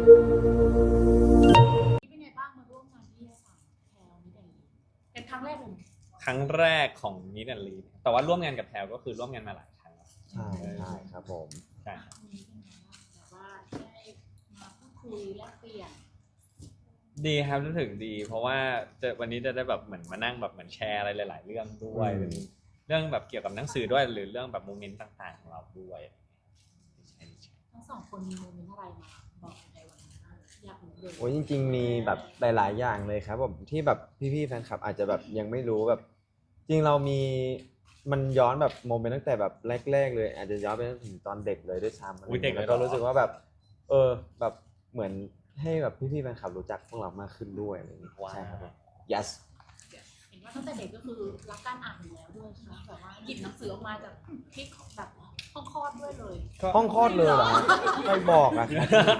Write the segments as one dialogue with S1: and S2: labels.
S1: เป็นไงบ้างมาร่วมงานที่นิตยสารแพลวนิดลีเป็นครั้งแรกเลย
S2: ครั้งแรกของนิดลีแต่ว่าร่วมงานกับแพลก็คือร่วมงานมาหลายครั้งแล้ว
S3: ใช่ครับผม
S2: ใช่ครับ
S1: มีเป็นไงบ้างแบบว่าได้มาพูดคุยแลกเปลี่ยน
S2: ดีครับรู้สึกดี เพราะว่าวันนี้จะได้แบบเหมือนมานั่งแบบเหมือนแชร์อะไรหลายๆเรื่องด้วยเป็นเรื่องแบบเกี่ยวกับหนังสือด้วยหรือเรื่องแบบโมเมนต์ต่างๆของเราด้วย
S1: ทั้งสองคนมีโมเมนต์อะไรมาบอกในวันนี้บ้างอยากรู้เลย
S3: โอ้ยจริงๆมีแบบหลายๆอย่างเลยครับผมที่แบบพี่ๆแฟนคลับอาจจะแบบยังไม่รู้แบบจริงเรามีมันย้อนแบบโมเมนต์ตั้งแต่แบบแรกๆเลยอาจจะย้อนไปถึงตอนเด็กเลยด้วยซ้ำอะไรอย่างเงี้ยแล้วก็รู้สึกว่าแบบแบบเหมือนให้แบบพี่ๆแฟนคลับรู้จักพวกเรามากขึ้นด้วยอะไรอย่างเงี้ยใช่ครับผม yes
S1: เห็นว่าตั้งแต่เด็กก็คือรักการอ่านอยู่แล้วด้วยใช่ไหมแบบว่าหยิบหนังสือออกมาจากที่แบบห้องคลอดด้วยเลย
S3: ห้องคลอดเลยเหรอใครบอกอ่ะ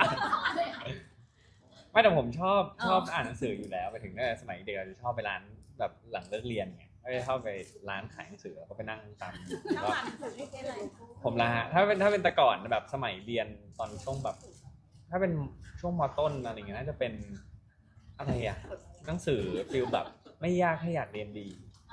S2: ไม่แต่ผมชอบอ่านหนังสืออยู่แล้วไปถึงตั้งแต่สมัยเด็กเราจะชอบไปร้านแบบหลังเลิกเรียนไงก็จะชอบไปร้านขายหนังสือแล้วก็ไปนั่งตามก็ผมละฮะถ้าเป็นแต่ก่อนแบบสมัยเรียนตอนช่วงแบบถ้าเป็นช่วงม.ต้นอะไรอย่างเงี้ยน่าจะเป็นอะไรอะหนังสือฟีลแบบไม่ยากให้อยากเรียนดี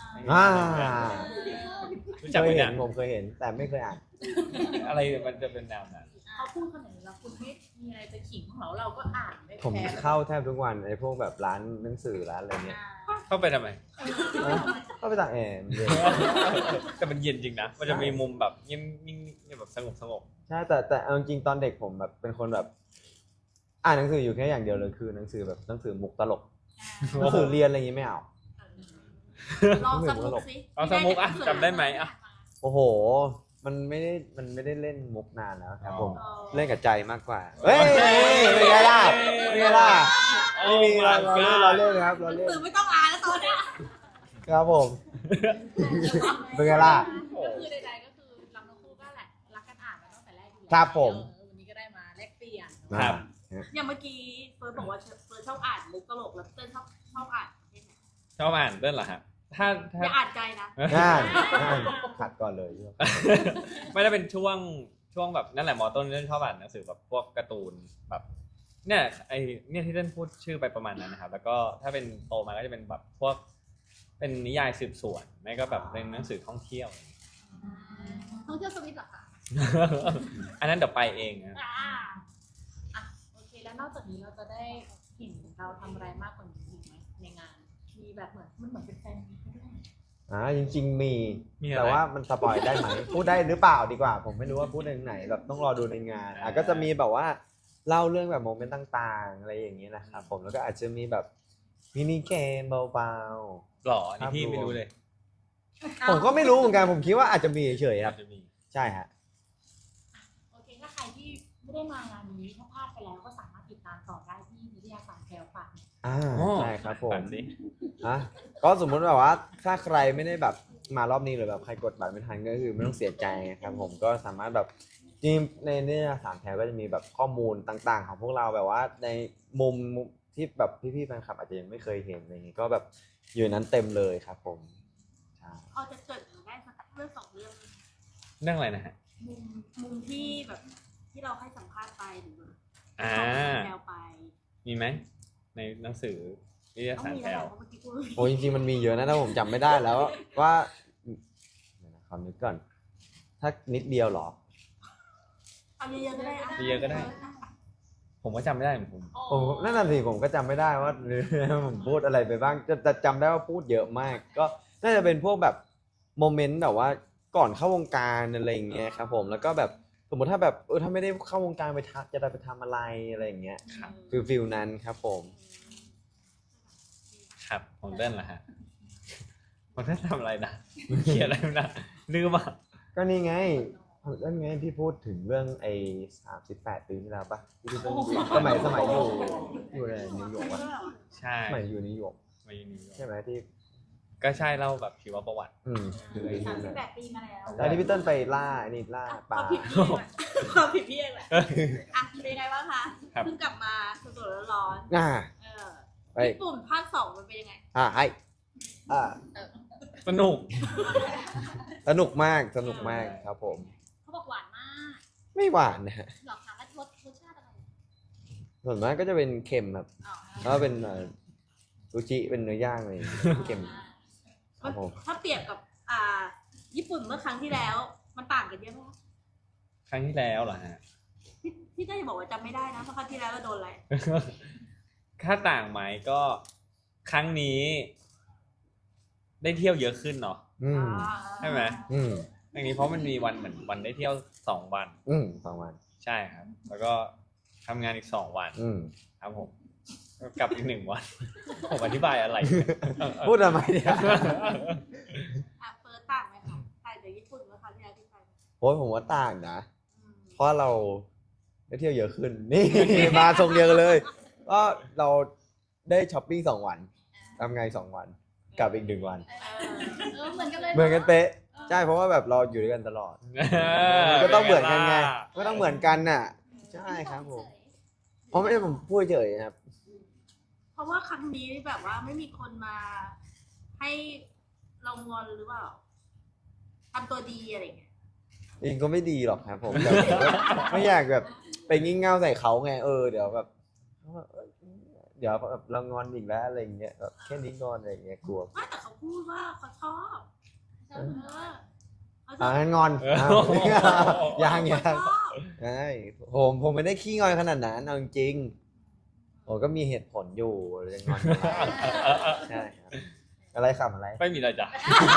S2: รู้จัก
S3: เค
S2: ไหม
S3: ยเห็
S2: เนี่ย
S3: นผมเคยเห็นแต่ไม่เคยอ่าน
S2: อะไรมันจะเป็นแนวนั้น
S1: เขาพูดขนาดนี้แล้วคุณไม่มีอะไรจะขิงของเราก็อ่านไม่
S3: ผม
S1: แพ้
S3: เข้าแทบทุกวันไอ้พวกแบบร้านหนังสือร้านอะไรเงี้ย
S2: เข้าไปทำไม
S3: เข้าไปต่างแอร์เย็น
S2: แต่มันเย็นจริงนะมันจะมีมุมแบบเงียบแบบสงบ
S3: ใช่แต่เอาจริงๆตอนเด็กผมแบบเป็นคนแบบอ่านหนังสืออยู่แค่อย่างเดียวเลยคือหนังสือแบบหนังสือมุกตลกหนังสือเรียนอะไรอย่างงี้ไม่เอา
S1: ลองสมุกสิ
S2: เอาสมุกอ่ะจำได้ไหมอ่ะ
S3: โอ้โหมันไม่ได้เล่นมุกนานแล้วครับผมเล่นกับใจมากกว่าเฮ้ยเป็นไงล่ะเป็นไงล่ะไม่มีเราเล่นครับเรา
S1: หนัง
S3: เล่น
S1: สือไม่ต้องอ่านแล้วตอนเนี้ย
S3: ครับผมเป็นไงล่ะ
S1: ก็คือใดๆก็คือเราทั้งคู่ก็แหละรักกันอ่านมาตั้งแต่แรกอยู่แล้ว
S3: ครับผม
S1: วันนี้ก็ได้มาแลกเปลี่ยน
S2: ครับ
S1: อย่างเมื่อกี้เฟิร์สบอกว่าเฟิร์สชอบอ่านมุกตลกแล้วเต้นชอบอ่านประเภทไหน
S2: ชอบอ่านเรื่องเหรอฮะถ้า
S1: อย่าอ่านใจนะ
S3: ง่ายขัดก่อนเลย
S2: ไม่ได้เป็นช่วงแบบนั่นแหละมอต้นเล่นชอบอ่านหนังสือแบบพวกการ์ตูนแบบเนี่ยเนี่ยที่เล่นพูดชื่อไปประมาณนั้นนะครับแล้วก็ถ้าเป็นโตมาก็จะเป็นแบบพวกเป็นนิยายสืบสวนไม่ก็แบบเป็นหนังสือท่องเที่ยว
S1: ท่องเที่ยวสวิตเหรอคะ
S2: อันนั้นเดี๋ยวไปเองนะ
S1: อ่ะโอเคแล้วนอกจากนี้เราจะได้เห็นเราทำอะไรมากกว่านี้อีกไหมในงาน มีแบบมันเหมือนเป็นแฟนมีตด้วย
S3: จริงๆมีแต่ว่ามันสปอยได้ไหมพูดได้หรือเปล่าดีกว่า ผมไม่รู้ว่าพูดในไหนแบบต้องรอดูในงานก็จะมีแบบว่าเล่าเรื่องแบบโมเมนต์ต่างๆอะไรอย่างนี้นะครับผมแล้วก็อาจจะมีแบบมินิเกมเบา
S2: หล่อนี่พี่ไม่รู้เลย
S3: ๆผมก็ไม่รู้เหมือนกันผมคิดว่าอาจจะมีเฉยๆครับ
S2: จะมี
S3: ใช่ฮะ
S1: โอเคถ้าใครที่ไม่ได้มางานนี้ถ้าพลาดไปแล้วก็สามารถติดตามต่อได้ที่นิตยสารแพลวฝากเนี่ย
S3: ใช่ครับผม
S2: ฝันสิ
S3: ก็สมมุติแบบว่าถ้าใครไม่ได้แบบมารอบนี้หรือแบบใครกดบัตรไม่ทันก็คือไม่ต้องเสียใจครับผมก็สามารถแบบจริงในนิตยสารแพลวก็จะมีแบบข้อมูลต่างๆของพวกเราแบบว่าในมุมที่แบบพี่ๆแฟนคลับอาจจะยังไม่เคยเห็นอะไรอย่างงี้ก็แบบอยู่นั้นเต็มเลยครับผมใช่
S1: พอจะเกิดได้สักเรื่องสองเรื่อง
S2: เรื่องอะไรนะฮะ
S1: มุมที่แบบที่เราให้สัมภาษณ์ไปหรือ
S2: อ่า
S1: แพลวไป
S2: มีไหมในหนังสือนิตย
S1: ต้อง
S2: สาร
S1: มี
S2: แพล
S1: แล้ว
S2: ว
S1: เพราะเมื่อกี้พูด
S3: โอ้ยจริงๆมันมีเยอะนะแต่ผมจำไม่ได้แล้วว่าเดี๋ยวนะขอนึกก่อนถ้านิดเดียวเหรอ
S1: เอาเยอะๆก็ได้
S2: เยอะๆก็ได้ ผมก็จำไม่ได้เหมือนผม
S3: ผมนั่นน่ะสิผมก็จำไม่ได้ว่า ผมพูดอะไรไปบ้างแต่จำได้ว่าพูดเยอะมาก ก็น่าจะเป็นพวกแบบโมเมนต์แบบว่าก่อนเข้าวงการอะไรอย่างเงี้ยครับผมแล้วก็แบบสมมติถ้าแบบถ้าไม่ได้เข้าวงการจะได้ไปทำอะไรอะไรอย่างเงี้ยฟิลนั้นครับผม
S2: ครับผมเล่นเหรอฮะผมได้ทำอะไรนะเขียนอะไรนะลืมอ่ะ
S3: ก็นี่ไงนั่นไงที่พูดถึงเรื่องไอ้38 ปีที่แล้วปะที่พี่ต้นสมัยอยู่ในนิวยอร์กปะ
S2: ใช่
S3: สมัยอยู่นิวยอร์ก
S2: มาอยู่นิวยอร์
S3: ใช่
S2: ก
S3: ไหมที่
S2: ก็ใช่เล่าแบบชีวประวัติ
S3: คือไอ้นี่นะ
S1: 38 ปีมาแล้ว
S3: แล้วที่พี่ต้นไปล่าไอ้นี่ล่าปลา
S1: ความผิดพี่เองแหละอ่ะเป็นไงบ้างคะ
S2: ครับ
S1: เพิ่งกลับมาสดๆร้อน
S3: อ่า
S1: ๆ
S3: ไป
S1: ญี่ปุ่นภาค2มันเป็นยังไง
S3: ให้อ่า
S2: สนุก
S3: สนุกมากครับผม
S1: เขาบอกหวานมาก
S3: ไม่หวานนะฮะ
S1: หลอกถามว่ารสชาติอะไร
S3: ส่วนมากก็จะเป็นเค็มครับ
S1: อ๋อ
S3: แล้วก็เป็นซูชิเป็นเนื้อย่างอะไรอย่างเงี้ยเค็มครับผม
S4: ถ้าเปรียบกับญี่ปุ่นเมื่อครั้งที่แล้ว มันต่างกันเยอะไหมคะ
S2: ครั้งที่แล้วเหรอฮะ
S4: พี่ได้บอกว่าจำไม่ได้นะเพราะครั้งที่แล้วเราโดนอะไร
S2: ค่าต่างไหมก็ครั้งนี้ ได้เที่ยวเยอะขึ้นเนาะ
S3: อืม
S2: ใช่ไหม
S3: อืม
S2: ครั้งนี้เพราะมันมีวันเหมือนวันได้เที่ยว2 วัน
S3: 2 วัน
S2: ใช่ครับ แล้วก็ทำงานอีก2 วัน ครับผมก็กลับอีก1 วัน ผมอธิบายอะไร
S3: พูดทำไมเนี่ย
S4: เฟิร์สต่างไหมคะต่างจากญี่ปุ่นเมื่อครั้งที่แล้วที่ไป
S3: โอ้ยผมว่าต่างนะ
S4: อืม
S3: เพราะเราได้เที่ยวเยอะขึ้น นี่ มาทรงเดียวกันเลย ก็เราได้ช้อปปิ้ง2 วันทำงาน2 วันกลับอีก1 วัน
S1: เหมือนกันเลย
S3: เหมือนกันเป๊ะใช่เพราะว่าแบบเราอยู่ด้วยกันตลอดมันก็ต้องเหมือนกันไงก็ต้องเหมือนกันน่ะ ใช่ครับผมเพราะไม่ได้ผมพูดเฉยครับ
S4: เพราะว่าครั้งนี้แบบว่าไม่มีคนมาให้เรางอนหรือเปล่าทำตัวดีอะไรอย่างเงี้ย
S3: จริงก็ไม่ดีหรอกครับผมแต่ผมก็ไม่อยากแบบไปงี่เง่าใส่เขาไงเดี๋ยวแบบเดี๋ยวแบบเรางอนอีกแล้วอะไรอย่างเงี้ยแบบแค่นี้งอนอะไรอย่างเงี้ยกลัว
S4: ไม่แต่เขาพูดว่าเขาชอบเขาช
S3: งั้นงอน อ้าว ยัง
S4: เขาชอบ
S3: ใช่ผมไม่ได้ขี้งอนขนาดนั้นเอาจริงๆผมก็มีเหตุผลอยู่ยังงอนอยู่ใช่ครับอะไรขำอะไร
S2: ไม่มีอะไรจ้ะ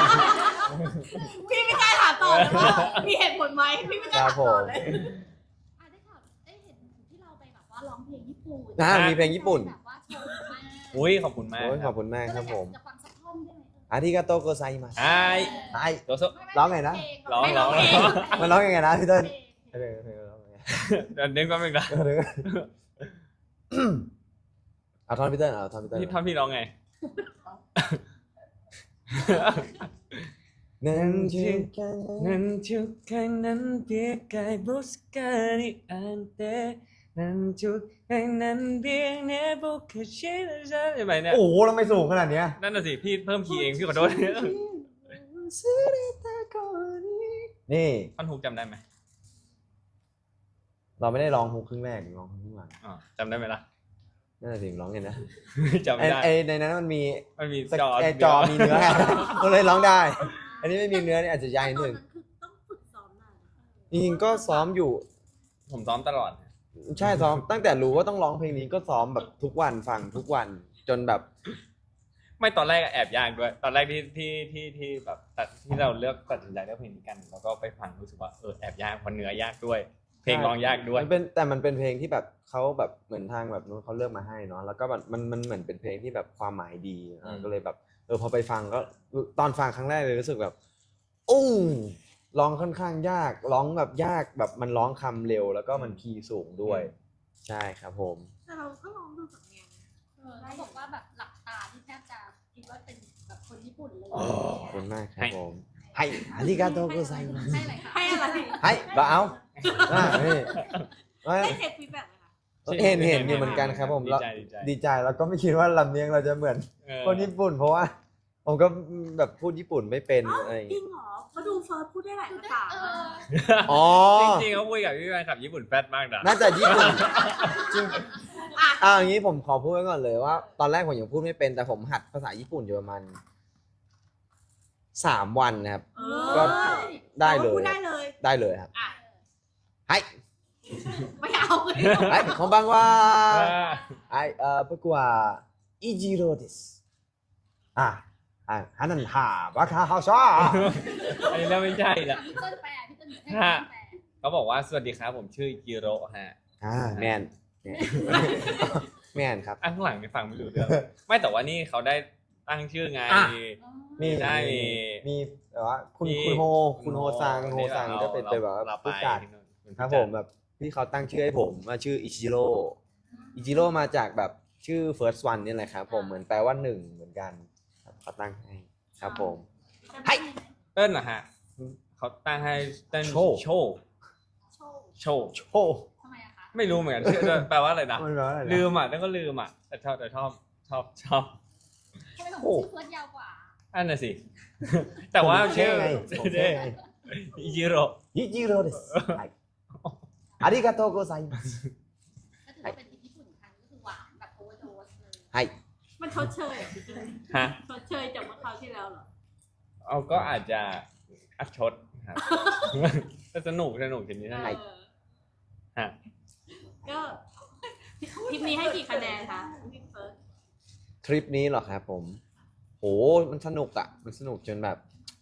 S4: พี่ไม่กล้าถามต่อเลยว่ามีเหตุผลไหมพี่ไม่กล้าถามต่อเลย
S1: ได้ข่าวได้เห็นที่เราไปแบบว่าร้องเพลงญี่ปุ่น
S3: มีเพลงญี่ปุ่น
S1: แบบว่าชมมาก
S2: อุ้ยขอบคุณมาก
S3: โอ้ย
S2: ค
S3: ข
S2: รั
S3: อบบ คุณมากครับผม
S1: จะฟังสักท่อนได้ไหม
S3: อาริกาโตโกไซมัส
S2: ไอ้
S3: ไอ้
S2: โดโซ
S3: ร้องไงนะ
S2: ร้อง
S4: ไม่ร้องเอง
S3: มันร้องยังไงนะพี่เต้น
S1: เพลง
S3: เดี๋ยวร้องยังไง
S2: เดี๋ยวนึกแป๊บนึงนะ
S3: เดี๋ยวเอาท่อนพี่เต้นเอาท่อนพี่เต้น
S2: พี่ท่อนพี่ร้องไง
S3: นั่นชื่อกัน
S2: นั้นเพียงกายบุสกานิอันเตนั้นเพียงเนบุคเชลใช่ไหมเนี่ย
S3: โอ้โหทำไมสูงขนาดเนี้ย
S2: นั่นน่ะสิพี่เพิ่มคีย์เองพี่ขอโทษ
S3: นี่
S2: ท่อนฮุกจำได้ไหม
S3: เราไม่ได้ร้องฮุกครึ่งแรกร้องฮุกครึ่งหลัง
S2: อ๋อจำได้ไหมล่ะ
S3: นั่นแหละสิร้องไงนะ
S2: จำไม่ได้
S3: ไอในนั้นมันมี
S2: มันมี
S3: จอมีเนื้อ ก็เลยร้องได้ อันนี้ไม่มีเนื้อนี่อาจจะยากนิดนึง
S4: ตอนนั้นคือต้องฝึกซ้อมนาน
S3: จริงๆก็ซ้อมอยู่
S2: ผมซ้อมตลอด
S3: ใช่ซ้อมตั้งแต่รู้ว่าต้องร้องเพลงนี้ก็ซ้อมแบบทุกวันฟังทุกวันจนแบบ
S2: ไม่ตอนแรกแอบยากด้วย ตอนแรกที่แบบที่เราเลือกตัดสินใจเลือกเพลงนี้กัน แล้วก็ไปฟังรู้สึกว่าแอบยากเพราะเนื้อยากด้วย เพลงร้องยากด้วย
S3: มันเป็นเพลงที่แบบเขาแบบเหมือนทางแบบนู้นเขาเลือกมาให้เนาะแล้วก็มันเหมือนเป็นเพลงที่แบบความหมายดีก็เลยแบบพอไปฟังก็ตอนฟังครั้งแรกเลยรู้สึกแบบโอ้ร้องค่อนข้างยากร้องแบบยากแบบมันร้องคำเร็ว แล้วก็มันคีย์สูงด้วย ใช่ครับผม
S4: แต่เราก็ลองดูสำเนียง
S1: เขาบอกว่าแบบหลับตาที่แทบจะคิดว่าเป็นแบบคนญี่ปุ่นเลย
S3: ขอบคุณมากครับผมให้อาริกาโตโกไซมัส
S1: ให้อะไรคะ
S4: ให้อะไร
S3: ให้เราเอานี่
S4: ได้เช็คฟีดแบ็กไหมคะ
S3: เห็นอยู่เหมือนกันครับผม
S2: ดี
S3: แล้ว
S2: ใจดีใจ
S3: ดีใจแล้วก็ไม่คิดว่าลำเนียงเราจะเหมือน
S2: เออ
S3: คนญี่ปุ่น เพราะว่า ผมก็แบบพูดญี่ปุ่นไม่เป็น
S4: อ้าว
S3: อะไรอย่าง
S4: จริ
S3: เงี้ย
S4: งเหรอมาดูเฟิร์สพูดได้หลายภาษา
S3: อ๋อ
S2: จริงๆเขาคุยกับพี่แฟนคลับญี่ปุ่นแฟดมากนะ
S3: น่าจะญี่ปุ่นจริงอย่างนี้ผมขอพูดไว้ก่อนเลยว่า ตอนแรกผมยังพูดไม่เป็นแต่ผมหัดภาษาญี่ปุ่นอยู่ประมาณ3 วันนะครับ ก็ได้เลย
S4: พูดได้เลย
S3: ได้เลยครับ
S4: อ่ะ
S3: ให้
S4: ไม่เอาเลย
S3: ให้こんばんははい僕はイジローですハナンハバカハシャ
S2: อันนี้เราไม่ใช่ละ
S1: พี่ต้นแปลพี่ต้นให้พี่ต้นแปล
S2: เขาบอกว่าสวัสดีครับผมชื่อจิโร่ฮะ
S3: แมนแมนครับ
S2: ข้างหลังไม่ฟังไม่รู้เรื่องไม่แต่ว่านี่เขาได้ตั้งชื่อไง
S3: มี
S2: ได้
S3: มีแบบว่าคุณโฮซังก็เป็นแบบว่าผู้จัดครับผมแบบที่เขาตั้งชื่อให้ผมว่าชื่ออิจิโร่มาจากแบบชื่อ first one นี่แหละครับผมเหมือนแปลว่าหนึ่งเหมือนกันเขาตั้งให้ครับผม ให้
S2: เติ้ลนะฮะเขาตั้งให้เติ้ล
S3: โชว์
S2: โชว์
S1: โชว์
S2: โชว์
S3: โชว์
S1: ทำไมอะคะ
S2: ไม่รู้เหมือนกันชื่อแปลว่าอะไรนะ
S3: มันแปลว่าอะไรนะ
S2: ลืมอ่ะแล้วก็ลืมอ่ะแต่ชอบ
S1: ทำไมของชื่อเฟิร์สยาวกว่า
S2: อันน่ะสิ แต่ว่าชื่อ
S3: ผมเท่ไง
S2: อิจิโร่
S3: อิจิโร่ですはいありがとうございます
S1: ก็ถือว่าเป็นทีมญี่ปุ่นครั้ง
S3: ให้
S4: มันชดเชยอ่ะพี่เต้ย
S2: ฮะ
S4: ชดเชยจากเมื่อคราวที่แล้วเหรอ
S2: เอาก็อาจจะอัดชดครับ ก็สนุกทีนี้
S4: เอ
S2: นะ
S4: อ
S2: ฮะ
S4: ก็ทริปนี้ให้กี่คะแนนคะพี่เฟิร์ส
S3: ทริปนี้เหรอครับผมโหมันสนุกอ่ะมันสนุกจนแบบ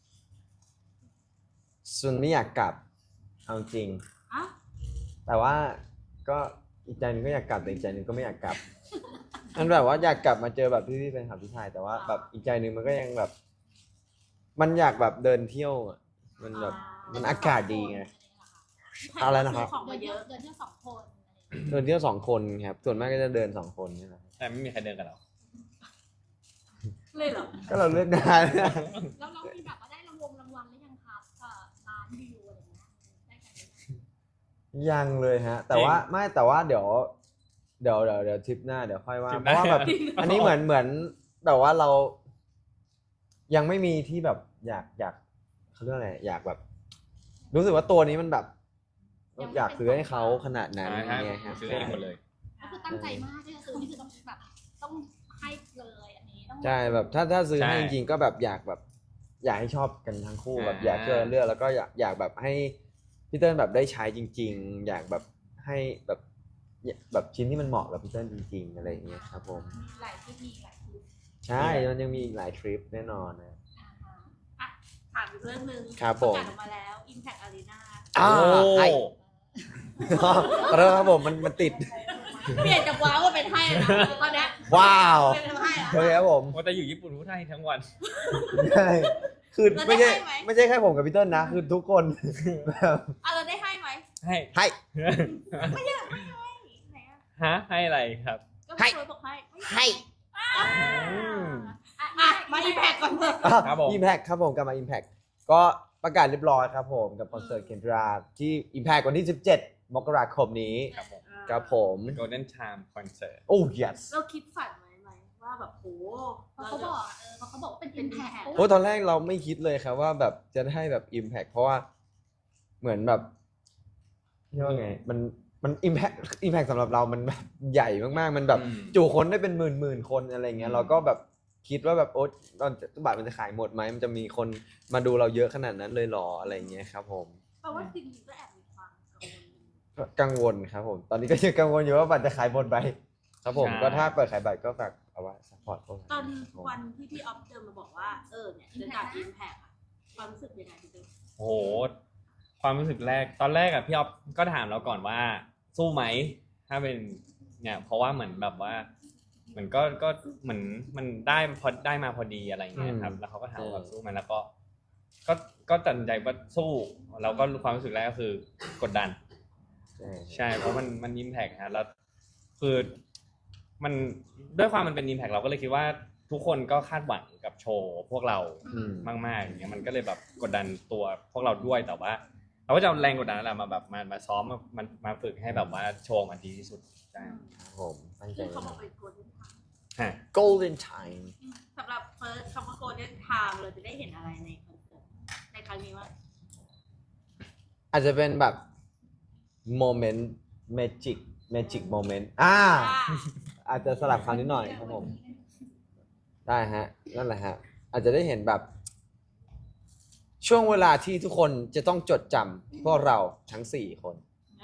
S3: ส่วนไม่อยากกลับเอาจริง
S4: อ่ะ
S3: แต่ว่าก็อีกใจหนึงก็อยากกลับแต่อีกใจหนึงก็ไม่อยากกลับ มันแบบว่าอยากกลับมาเจอแบบพี่ๆแฟนคลับที่ไทยแต่ว่าแบบอีกใจหนึงมันก็ยังแบบ มันอยากแบบเดินเที่ยวอะมันแบบมันอากาศดีไง อะไรนะครับ
S4: ของมาเยอะ
S1: เดินเที่ยว2 คน
S3: เดินเที่ยว2 คนครับส่วนมากก็จะเดิน2 คนนี่แหละ
S2: แต่ไม่มีใครเดินกับเรา
S4: เลยเหรอ
S3: ก็เราเลือกได้
S1: แล้วเรามีแบบว่าได้รางวัลหรือยังครับล้านวิวอะไรอย่างเงี้ยได้กันไหม
S3: ยังเลยฮะ แต่ว่าไม่แต่ว่าเดี๋ยวทริปหน้าเดี๋ยวค่อยว่าเพราะว่าแบบ อันนี้เหมือนแบบว่าเรา ยังไม่มีที่แบบอยากเขาเรียกอะไรอยากแบบ รู้สึกว่าตัวนี้มันแบบ อยากซื้อให้เขาขนาดนั้น
S2: ใช่
S3: ไงครับ
S2: ซื้อเองหมดเลย
S1: ก็คือตั้งใจมากที่จะซื้อนี่คือต้องแบบต้องให้เลยอันนี้ต้อง
S3: ใช่แบบถ้าซื้อให้
S2: ใช่
S3: จริงๆก็แบบอยากแบบ อยากให้ชอบกันทั้งคู่แบบ
S2: อ่า
S3: อยากช่วยกันเลือกแล้วก็อยากแบบให้พี่เติ้ลแบบได้ใช้จริง ๆ อยากแบบให้แบบชิ้นที่มันเหมาะกับพี่เติ้ลจริง ๆ อะไรอย่างเงี้ยครับผม
S1: หลายที่มีหลายที่
S3: ใช่มันยังมีอีกหลายทริปแน่นอนนะ
S4: ถามอีกเรื่องหนึ่ง
S3: ครับผม
S4: ประกาศออกมาแล้ว Impact Arena
S3: อ่า
S2: โอ้
S3: ให้ ขอโทษครับผมมันติด
S4: เปลี่ยนจากว้าวมาเป็นให้นะตอนเนี้ย
S3: ว้าว
S4: เป็นให้แล้ว
S3: โอเคครับผม
S2: ว่าแต่อยู่ญี่ปุ่นพูดไทยทั้งวัน
S3: ใช่คือ
S4: แล้วได้
S3: ไม่ใช่
S4: ให้ไหม
S3: ไม่ใช่แค่ผมกับพี่เติ้ลนะ คือทุกคน แบบ
S4: อ่ะเราได้ให้ไหม
S2: ให้
S3: ให้
S4: ไม่ใช่ไม่ให้ไหนอ่ะ
S2: ฮะให้อะไรครับ
S4: ก็
S3: ให้
S4: เคยบอกให้
S3: ให้
S2: อืม
S4: อ่ะมา Impact ก่อนเถอะ
S2: ครับผม
S3: Impact ครับผมกลับมา Impact ก็ประกาศเรียบร้อยครับผมกับคอนเสิร์ตเคนดราที่ Impact วันที่ 17 มกราคมนี้
S2: ครับผม
S3: ครับผม
S2: Golden Charm Concert
S3: โอ้ yes
S4: เราคิดฝันไหมว่าแบบโห
S1: เพราะเขาบอกเขาบอกว่าเป็น impact
S3: โอ้ตอนแรกเราไม่คิดเลยครับว่าแบบจะได้แบบ Impact เพราะว่าเหมือนแบบเรียกว่าไงมัน Impact สำหรับเรามันแบบใหญ่มากๆ มันแบบ
S2: อืม
S3: จุคนได้เป็นหมื่นคนอะไรเงี้ยเราก็แบบคิดว่าแบบโอ๊ตตอนบัตรมันจะขายหมดไหมมันจะมีคนมาดูเราเยอะขนาดนั้นเลยหรออะไรเงี้ยครับผม
S4: เพราะว่าจริงๆก็แอบมีความกังวล
S3: ก็กังวลครับผม ตอนนี้ก็ยังกังวลอยู่ว่าบัตรจะขายหมดไหมครับผม
S2: ใช่
S3: ก็ถ้าเปิดขายบัตรก็ฝากเอาไว้ซัพพอร์ตพวกเรา
S4: ตอนวันที่พี่ออฟเดินมาบอกว่าเนี่ยจะจัด Impact อะความรู้สึกยังไงพี่เต้
S2: โอ้โห ความรู้สึกแรก ตอนแรกอะพี่อ๊อฟก็ถามเราก่อนว่า สู้ไหม ถ้าเป็นเนี่ยเพราะว่าเหมือนแบบว่าเหมือนก็เหมือนมันได้มาพอดีอะไรอย่างเงี้ยครับ แล้วเขาก็ถามว่าสู้ไหมแล้วก็ตัดสินใจว่าสู้เราก็ความรู้สึกแรกก็คือกดดัน
S3: ใช่
S2: ใช่เพราะมันอิมแพกฮะแล้วคือมันด้วยความมันเป็นอิมแพกเราก็เลยคิดว่าทุกคนก็คาดหวังกับโชว์พวกเรา
S3: อืม
S2: มากๆอย่างเงี้ยมันก็เลยแบบกดดันตัวพวกเราด้วยแต่ว่า เราก็จะเอาแรงกดดันนั่นแหละมาแบบมาซ้อมมาฝึกให้แบบว่าโชว์มันดีที่สุดใช่
S3: ครับผมตั้งใจ
S4: ซึ่งเขา
S3: มา
S4: บอกเป็น Golden Time
S2: ฮะ
S3: Golden Time
S4: สำหรับเฟิร์สคำว่า Golden Time เราจะได้เห็นอะไรในคอนเสิร์ตในครั้งนี้ว่า
S3: อาจจะเป็นแบบโมเมนต์เมจิกโมเมนต์อาจจะสลับคำนิดหน่อยครับผม ได้ฮะ นั่นแหละฮะ อาจจะได้เห็นแบบ ช่วงเวลาที่ทุกคนจะต้องจดจำพวกเราทั้ง4 คน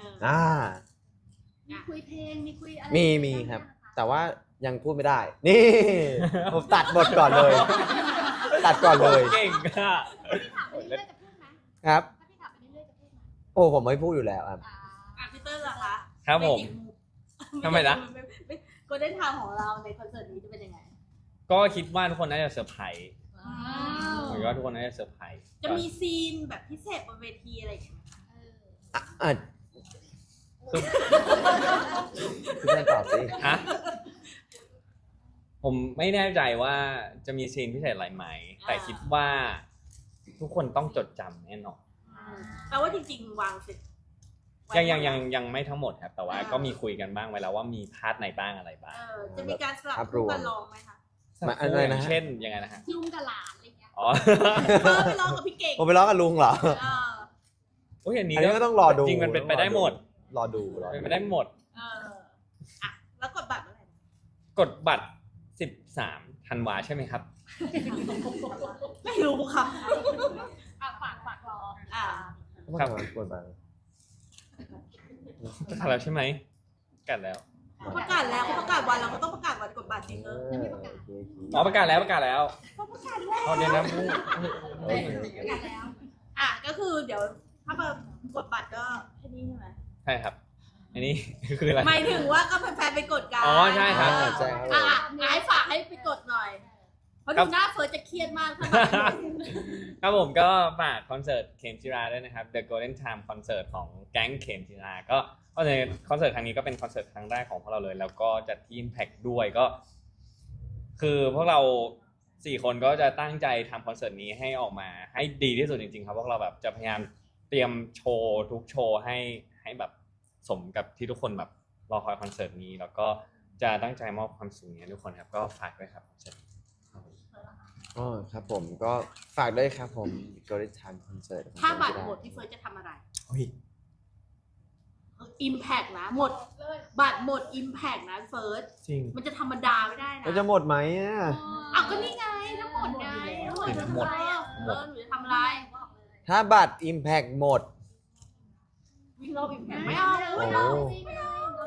S1: มีคุยเพลงมีคุยอะไร
S3: มีครับ แต่ว่ายังพูดไม่ได้ นี่ ผมตัดบทก่อนเลย ตัดก่อนเลย
S2: เก่งอะ
S1: พี่ถามไปเรื่อยๆจะพูดไหม
S3: ครับ
S1: ถ้าพี่ถามไปเรื่อยๆจะพูดไหม
S3: โอ้ผมไม่พูดอยู่แล้วครับ
S4: พีเตอร์ล่ะคะ
S2: ครับผม ทำไมนะ
S4: Golden Time ของเราในคอนเสิร์ตนี้จะเป็นยังไง
S2: ก็คิดว่าทุกคนน่าจะเซอร์ไพรส์
S1: ว้าว
S2: ผมคิดว่าทุกคนน่าจะเซอร์ไพรส์
S4: จะมีซีนแบบพิเศษบนเวทีอะไรอย่างเงี้ยไหมคะ
S3: อ่ะคุณแม่ตอบสิ
S2: ฮะผมไม่แน่ใจว่าจะมีซีนพิเศษอะไรไหม แต่คิดว่าทุกคนต้องจดจำแน่นอน
S4: แปลว่าจริงๆวางเสร็จ
S2: ยังไม่ทั้งหมดครับแต่ว่าก็มีคุยกันบ้างไว้แล้วว่ามีพาร์ทไหนบ้างอะไรบ้าง
S4: จะมีการสลับคู่กันร้องไหมคะ
S3: มาอะไรนะ
S2: เช่นยังไงนะฮะ
S1: ลุงกับหลานอะไรอย่างเงี้ย
S2: อ๋อ
S4: ไปร้องกับพี่เก่ง
S3: ผมไปร้องกับลุงเหรอ
S4: เออ
S2: โอ้ยอันนี้
S3: อันนี้ก็ต้องรอดู
S2: จริงมันเป็นไปได้หมด
S3: รอดู
S2: เป็นไปได้หมด
S4: เอออ่ะแล้วกดบัตรเมื่อไหร่
S2: กดบัตร 13 ธันวาใช่ไหมครับ
S4: ไม่รู้ค่ะ
S1: ฝากรอ
S4: อ่า
S2: ครับ
S3: กดบัตร
S2: ประกาศแล้วใช่ไหมประกาศแล้ว
S4: เขาประกาศแล้วเขาประกาศวันเราก็ต้องประกาศวันกดบัตรจริงเออ
S2: อ๋อประกาศแล้วประกาศแล้ว
S4: เขาประกาศแล้ว
S2: เอาเดี๋ยวนะ
S4: อ่ะก็คือเดี๋ยวถ้ามากดบัตรก็แค่นี้ใช่ไหม
S2: ใช่ครับ อันนี้ คืออะไร
S4: หมายถึงว่าก็แฟนๆไปกดกัน
S2: อ๋อใช่ครับ
S3: ใช่ครับผม
S4: อ่ะให้ฝากให้ไปกดหน่อย เพราะ
S2: ครั
S4: ดู
S2: บ
S4: หน้าเฟิร์สจะเครียดมากถ้า
S2: ครับผมก็ฝากคอนเสิร์ตเข็มจิราด้วยนะครับ The Golden Time Concert ของแก๊งเข็มจิราก็ในคอนเสิร์ตครั้งนี้ก็เป็นคอนเสิร์ตครั้งแรกของพวกเราเลย แล้วก็จัดที่ Impact ด้วยก็ คือพวกเรา4 คนก็จะตั้งใจทำคอนเสิร์ตนี้ให้ออกมาให้ดีที่สุดจริงๆครับพวกเราแบบจะพยายามเตรียมโชว์ทุกโชว์ให้แบบสมกับที่ทุกคนแบบรอคอยคอนเสิร์ตนี้ แล้วก็จะตั้งใจมอบความสุขนี้ให้ทุกคนครับก็ฝากด้วยครับคอนเสิร์ตนี้ครับผม
S3: อ๋อครับผมก็ฝากด้วยครับผม Golden Time Concert
S4: ถ้าบัตรหมดพี่เฟิร์สจะทำอะไร
S2: เฮ้ย
S4: อิมแพกนะหมดบัตรหมดอิมแพกนะเฟิร์ส
S2: จริง
S4: มันจะธรรมดาไม่ได้นะ
S3: ก็จะหมดไหมอ่ะ
S4: เอาก็นี่ไงทั้งหมดไงทั้งหมด
S2: หมด
S4: หนูจะทำอะไร
S3: ถ้าบัตร Impact หมด
S4: วิ่งรอบอิมแพกไม่เอา
S3: โอ้
S4: ไม่
S3: โห
S4: เอา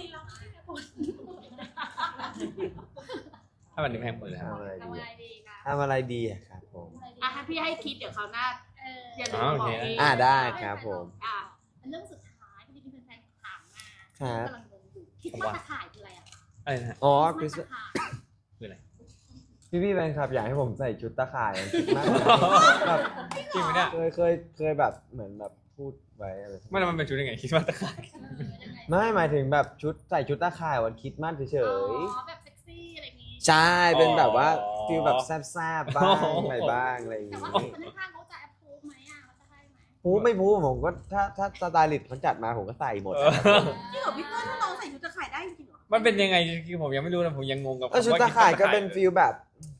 S2: ถ้ามันแพงหมดเลยครับ
S3: ทำอะไรดีอะทำอะไรดีอะครับผม
S4: อ่ะให้พี่ให้คิดเดี๋ยวคราวหน้าอย่าลืม
S2: อ๋อโอ
S4: บอก
S2: เค
S4: เอง
S3: ได้ครับผม
S4: อ่ะ
S5: เรื่องสุดท้ายที่มีแฟนๆถามมา
S3: ครับ
S5: กำลังงงอยู่คิดว่าตะข่ายคืออะไรอ่ะ
S2: อะไรนะฮะ
S3: อ๋อ
S5: คิ
S3: คริ
S5: ด
S3: ส
S5: ว่าตะข่าย
S2: คืออะไร
S3: พี่แฟนคลับอยากให้ผมใส่ชุดตะข่ายคิดมากเลยแบบ
S2: จริงไหมเนี่ย
S3: เคยแบบเหมือนแบบพูดไว้อะไร
S2: ไม่แล้วมันเป็นชุดยังไงคิดว่าตะข่าย
S5: ยังไง
S3: ไม่หมายถึงแบบใส่ชุดตะข่ายวันคริดมากเฉ
S5: อ๋
S3: ย
S5: อแบบเซ็กซี่อะไรอย่างงี้
S3: ๆใช่เป็นแบบว่าฟีลแบบแซ่บๆบ้างอะไรบ้างอะไรอย่าง
S5: แต่
S3: งี้
S5: ว่าคนข้างๆเขาจะแอปพูฟไหมอ่ะเขาจะให้ไหม
S3: พูไม่พูผมก็ถ้าสไตลิสต์เขาจัดมาผมก็ใส่หมด
S2: เออ
S4: จริงเหรอพี่เฟิร์สถ้าเราใส่ชุดตะข่ายได้จริงเหรอ
S2: มันเป็นยังไงคือผมยังไม่รู้นะผมยังงงกับ
S3: แล้วชุดตะข่ายก็เป็น
S2: ล
S3: ฟีลแบบ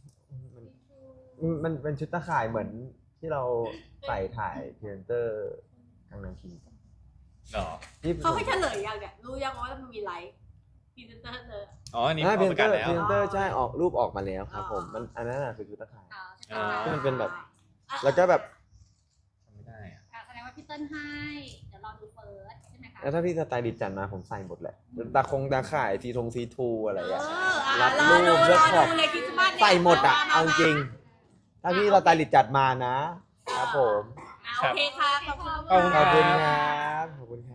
S3: มันเป็นชุดตะข่ายเหมือนที่เราใส่ถ่ายพรีเซนเตอร์กางนังคิง
S2: หรอ
S3: ที่
S4: เขาให้เฉลยยังเนี่ยรู้ยังว่ามันมีไลฟ์พรีเซนเตอร์เลย
S2: อ๋ออันนี้
S3: พรี
S2: อ
S3: เซ
S2: อก
S3: น
S2: ประ
S3: เต
S2: กา
S3: อ
S2: ศ
S3: ร์
S2: แล้ว
S3: พรีเซนเตอร์ใช่ออกรูปออกมาแล้วครับผมมันอันนั้นน่ะคือชุดตะข่าย
S5: อ๋อใช่
S3: ที่มันเป็นแบบ
S4: อ่ะ
S3: แล้วก็แบบ
S2: จำไม่ได้อะ
S5: แสดงว่าพี่เติ้ลให้ เดี๋ยวรอดูเฟิร์สใช่ไหมคะ
S3: แล้วถ้าพี่สไตลิสต์จัดมาผมใส่หมดแหละตาข่ายซีทูอะไร
S4: เอ
S3: อ่ะ
S4: ออ่ะ
S3: รัด
S4: รอ
S3: รู
S4: ดู
S3: ปเลื
S4: ร
S3: อก
S4: อ
S3: ขอบ
S4: ดูเลยคริสต์มาสเนี่ย
S3: ใส่หมดอ่ะ
S4: ม
S3: เอาจริง ถ้าพี่สไตลิสต์จัดมานะ ครับผม
S4: อ่ะโอเคค่ะขอบคุณ
S2: ขอบคุณ
S3: ขอบคุณ
S2: ค
S3: ค
S2: รั
S3: รับ ขอบคุณครับ